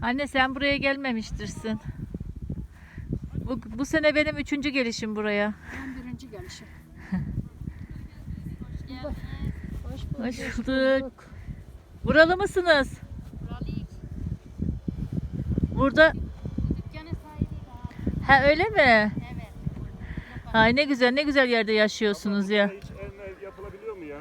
Anne sen buraya gelmemiştirsin. Bu sene benim 3. gelişim buraya. Ben birinci gelişim. Hoş bulduk. Buralı mısınız? Buralıyız. Burada. Dükkanın sahibiyiz abi. Ha öyle mi? Evet. Ay ne güzel, ne güzel yerde yaşıyorsunuz ya. Hiç ev yapılabiliyor mu ya?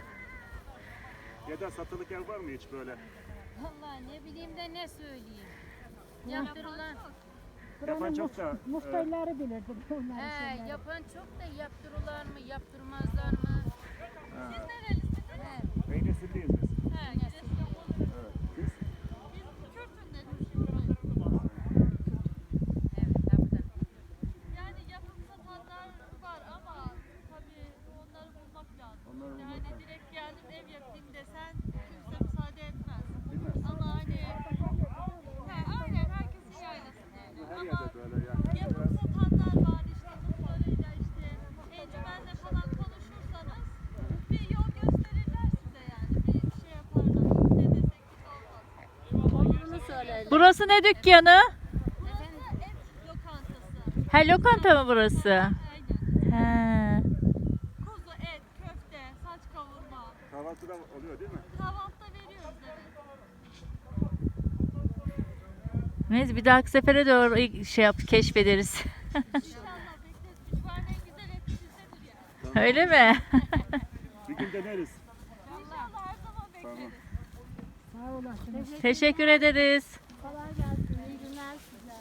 Ya da satılık ev var mı hiç böyle? Vallahi ne bileyim de ne söyleyeyim. Yaptırılan. Yapan çok da Muhtarları bilirdim. Onları Yapan çok da yaptırırlar mı, yaptırmazlar mı? Siz nerelisiniz? Beynesilliyiz biz. Evet. Biz Evet, tabii. Yani yapım satanlar var ama tabii onları bulmak lazım. Onları Yani bulmak lazım. direkt geldim ev yapayım desen kimse müsaade etmez. bilmez. Ama hani aynen herkesin yaylasında yani. Her Ama yerde böyle yani. yapım satanlar var işte muhtarıyla işte encümenle falan konuşursanız bir yol gösterirler size yani. Bir şey yaparlar. Ne desek biz olmaz. Burası ne dükkanı? Burası et lokantası. Ha lokanta mı burası? Aynen. Ha. Kuzu, et, köfte, saç kavurma. Kahvaltıda oluyor değil mi? Kahvaltıda veriyoruz evet. Neyse bir dahaki sefere de orayı şey yap, keşfederiz. İnşallah bekleriz. Küçükhanenin en güzel et bizdedir yani. Öyle mi? Bir gün deneriz. İnşallah her zaman bekleriz. Sağ olasın. Teşekkür ederiz. Kolay gelsin. İyi günler size.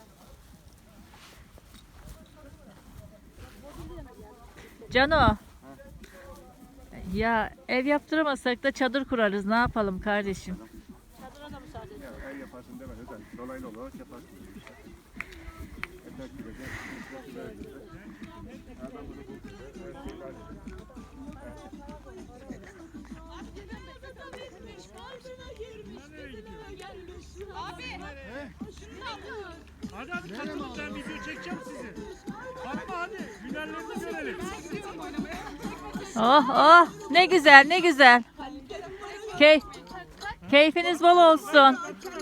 Cano. Ya ev yaptıramasak da çadır kurarız. Ne yapalım kardeşim? Ya, ev yaparsın deme özel. Dolaylı olarak yaparsın. Yeter ki güzel. Adam bunu buldu. Hadi katılın, ben video çekeceğim sizi. Fatma hadi finallerini görelim. Oh oh ne güzel ne güzel. Key Keyfiniz bol olsun.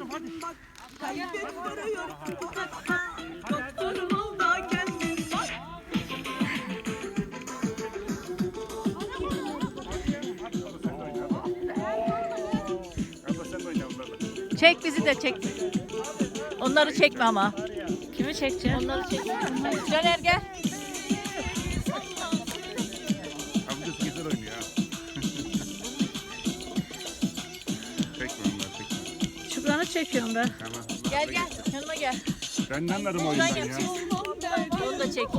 Abla sen de oyna onlarla. Çek bizi de çek. Onları çekme ama. Kimi çekeceğim? Onları çekme. Caner gel. Amcası güzel oynuyor ha. Çekme onları çekme. Şükran'ı çekiyorum ben. Tamam. Gel gel yanıma gel. Ben ne anladım oyundan ya? Onu da çek.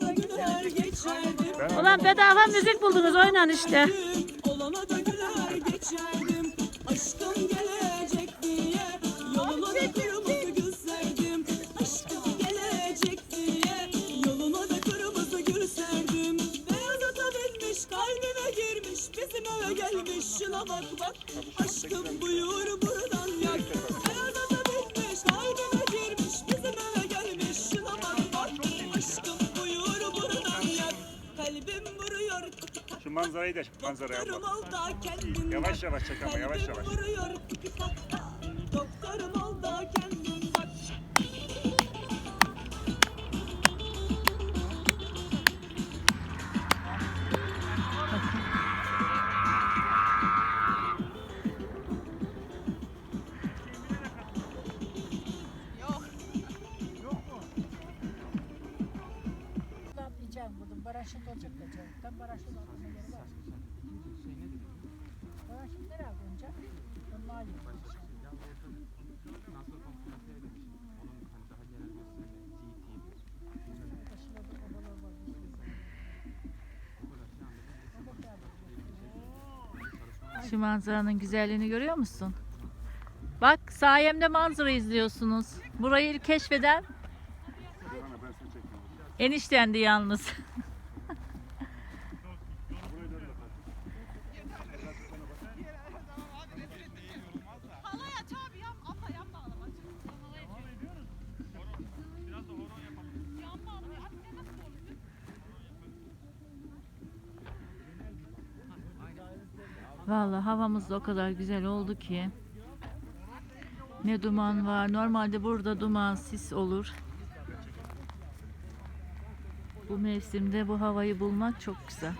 Ben Ulan bedava müzik buldunuz oynayın işte. Olana da güler geçerdim. Aşkım gelecek diye yoluna da kırmızı gül serdim. Aşkım gelecek diye yoluna da kırmızı gül serdim. Beyaz ata binmiş kalbime girmiş bizim eve gelmiş şuna bak bak. Aşkım buyur buradan yak. Beyaz ata binmiş kalbime girmiş bizim eve gelmiş şuna bak bak. Aşkım buyur buradan yak. Kalbim vuruyor. şu manzarayı da manzaraya abla. Doktorum ol da kendin Yavaş bak. yavaş çek ama yavaş yavaş. Kalbim vuruyor. Doktorum ol da kendin bak. Diyeceğim buradan. Baraşık olacak diyeceğim. Tam baraşık olma yeri var. Baraşık nereye koyunca? Onlar yok. Şurada odalar var. Şu manzaranın güzelliğini görüyor musun? Bak sayemde manzara izliyorsunuz. Burayı ilk keşfeden Bana ben seni çekeyim. eniştendi yalnız. Burayı da öyle bak. Halay aç abi yap. Abla yapma ağlama. Halay açıyorum. Biraz da horon yapalım. Yapma abla. Abi ne nasıl olur? Vallahi havamız da o kadar güzel oldu ki. Ne duman var. Normalde burada duman, sis olur. Bu mevsimde bu havayı bulmak çok güzel.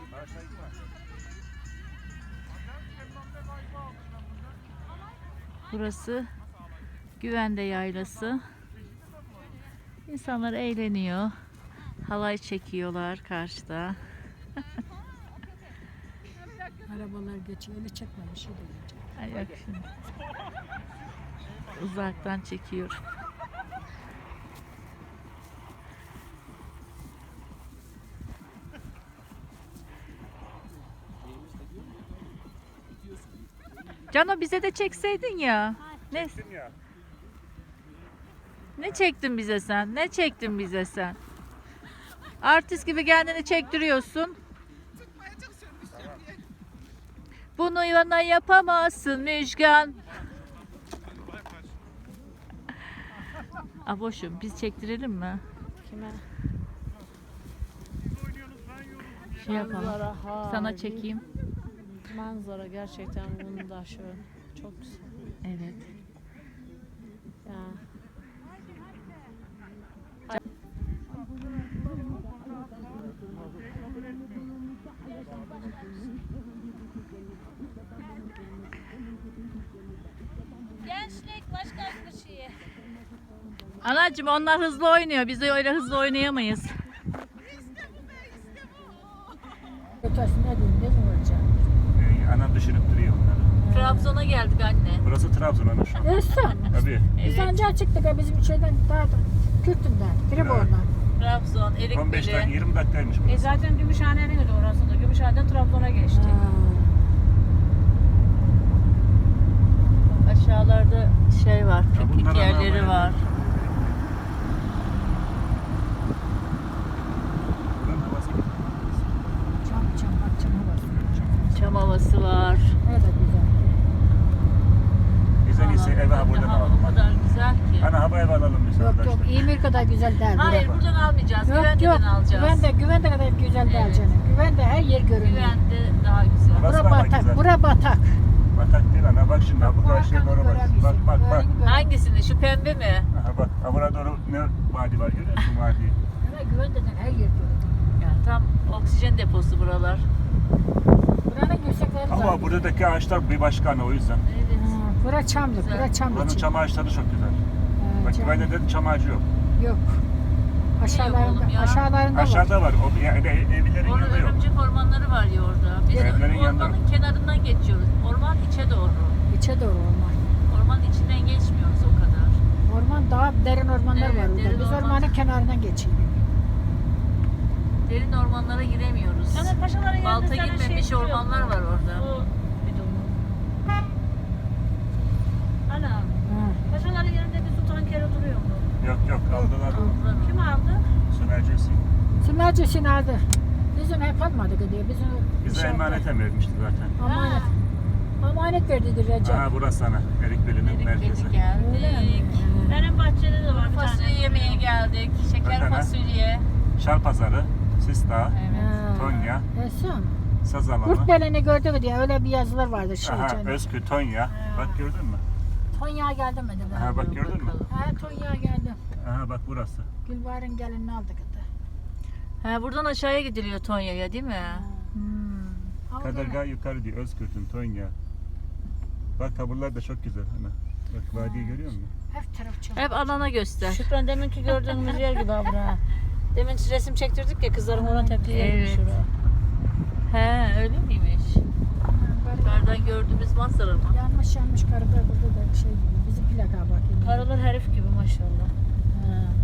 Burası Güvende Yaylası. İnsanlar eğleniyor. Halay çekiyorlar karşıda. Arabalar geçiyor. Öyle çekme bir şey de geçecek. Ay yok şimdi. Uzaktan çekiyorum. Cano bize de çekseydin ya. Ne? Ya. Ne çektin bize sen? Ne çektin bize sen? Artist gibi kendini çektiriyorsun. Bunu bana yapamazsın Müjgan. Aboşum biz çektirelim mi? Kime? Şey yapalım. Manzara, ha, Sana çekeyim. Manzara gerçekten bunu da şu çok güzel. Evet. Ya. Gençlik başka bir şey. Anacığım onlar hızlı oynuyor. Biz de öyle hızlı oynayamayız. Ötesi ne diyeyim? Ne mi olacak? Anam düşünüp duruyor onları. Trabzon'a geldik anne. Burası Trabzon ana şu an. Esra. Tabii. Biz ancak çıktık ya bizim şeyden daha da Kürt'ünden. Tribor'dan. Trabzon, 15 dakika Erikbeli. 20 dakikaymış burası. Zaten Gümüşhane'nin de orası da. Gümüşhane'den Trabzon'a geçtik. Aşağılarda şey var, piknik bunlar yerleri ana var. Buranın havası güzel. Çam bak çam havası. Çam havası var. Ne de güzel. Biz en iyisi eve ha buradan Hava alalım. o kadar güzel ki. Ana hava eve alalım biz Yok arkadaşlar. İmir kadar güzel değil. Hayır Bura. buradan almayacağız. Yok Güvende'den alacağız. Güvende kadar güzel değil Evet. canım. Güvende her yer görünüyor. Güvende daha güzel. Burası Bura daha batak. güzel. Bura batak. Batak değil ana bak şimdi ha bu karşıya doğru bak. Bak bak bak. Hangisini? Şu pembe mi? Aha bak ha buraya doğru ne vadi var görüyor musun vadiyi? Güvendeden her yer görünüyor. Yani tam oksijen deposu buralar. Buranın yüksekleri Ama var. buradaki ağaçlar bir başka ana o yüzden. Evet. Bura çamlık. Güzel. Bura çam Buranın için. çam ağaçları çok güzel. Bak çam. güvende de çam ağacı yok. Yok. oğlum Aşağılarında, ya? aşağılarında var. Aşağıda var. O yani evlerin Orada yanında yok. örümcek ormanları var ya orada. Biz Evlerin yanında. ormanın kenarından geçiyoruz. Orman içe doğru. İçe doğru orman. Ormanın içinden geçmiyoruz o kadar. Orman daha derin ormanlar Evet, var orada. derin Biz orman. ormanın kenarından geçiyoruz. Derin ormanlara giremiyoruz. Ana paşaların yanında Balta sana girmemiş şey ormanlar var orada. O bidonu. Ana Ha. paşaların yanında bir su tankeri duruyor mu? Yok yok aldılar. Kim aldı? Su mercesi. Sümercesini aldı. Biz onu hep almadık diyor. Biz onu Bize şey emanet yaptık. vermişti zaten. Emanet. Emanet verdi Recep. Aha burası sana. Erikbeli'nin merkezi. Erikbeli Öyle mi? geldik. Benim bahçede de var bir Fasulye tane. yemeye geldik. Şeker Bakana. fasulye. Şal Pazarı, Sistağ, Evet. Tonya, Esam. Saz Alanı. Kurtbelini gördük diye öyle bir yazılar vardı şey Aha içinde. Özkü, Tonya. Bak gördün mü? Tonya geldi mi dedi. Aha bak gördün mü? Ha Tonya geldi. Aha bak burası. Gülbahar'ın gelinini aldık da. Ha, buradan aşağıya gidiliyor Tonya'ya değil mi? Hmm. Kadırga yukarı diyor. Özkürt'ün Tonya. Bak taburlar da çok güzel. Ana. Bak vadiyi görüyor musun? Hep taraf çok. Hep alana göster. Şükran deminki gördüğümüz yer gibi abi ha. Demin resim çektirdik ya kızların ona tepkileri Evet. şuraya. He öyle miymiş? Yukarıdan gördüğümüz manzara mı? Yanmış karıda burada da bir şey gibi. Bizim plaka bak. Karılar herif gibi maşallah. Ha.